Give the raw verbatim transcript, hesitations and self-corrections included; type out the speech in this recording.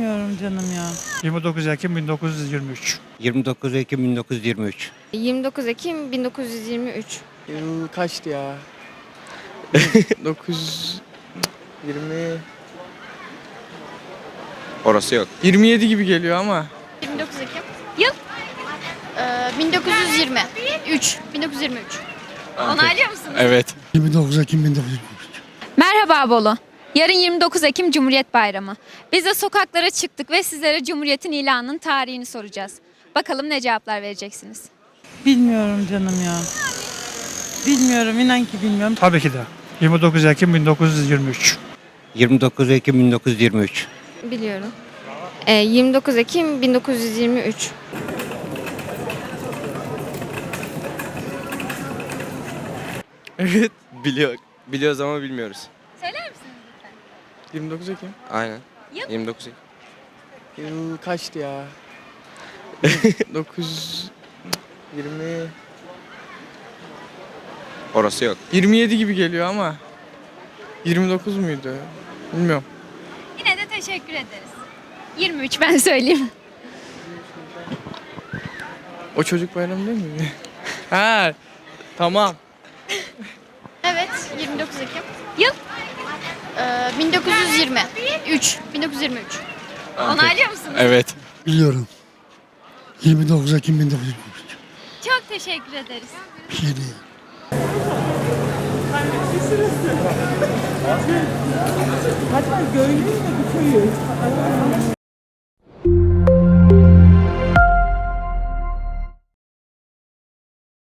Bilmiyorum canım ya. yirmi dokuz Ekim bin dokuz yüz yirmi üç. yirmi dokuz Ekim bin dokuz yüz yirmi üç. yirmi dokuz Ekim bin dokuz yüz yirmi üç. Yıl kaçtı ya? dokuz yüz yirmi Orası yok. yirmi yedi gibi geliyor ama. yirmi dokuz Ekim. Yıl? Ee, bin dokuz yüz yirmi üç. bin dokuz yüz yirmi üç. Onaylıyor musunuz? Evet. yirmi dokuz Ekim bin dokuz yüz yirmi üç. Merhaba Bolu. Yarın yirmi dokuz Ekim Cumhuriyet Bayramı. Biz de sokaklara çıktık ve sizlere Cumhuriyet'in ilanının tarihini soracağız. Bakalım ne cevaplar vereceksiniz. Bilmiyorum canım ya. Bilmiyorum, inan ki bilmiyorum. Tabii ki de. yirmi dokuz Ekim bin dokuz yüz yirmi üç. yirmi dokuz Ekim bin dokuz yüz yirmi üç. Biliyorum. Ee, yirmi dokuz Ekim bin dokuz yüz yirmi üç. Evet. Biliyor. Biliyoruz ama bilmiyoruz. Söyler misiniz lütfen? yirmi dokuz Ekim. Aynen. Yıl? yirmi dokuz Ekim. Yıl kaçtı ya? dokuz yüz yirmi Orası yok. yirmi yedi gibi geliyor ama. yirmi dokuz muydu? Bilmiyorum. Yine de teşekkür ederiz. yirmi üç ben söyleyeyim. O çocuk bayramı değil mi? Ha, tamam. Evet, yirmi dokuz Ekim. Yıl? Ee, bin dokuz yüz yirmi üç. bin dokuz yüz yirmi üç. Onaylıyor musunuz? Evet. Biliyorum. yirmi dokuz Ekim bin dokuz yüz yirmi üç. Çok teşekkür ederiz. Bir şey değil. Hatta gördün mü bu köyü?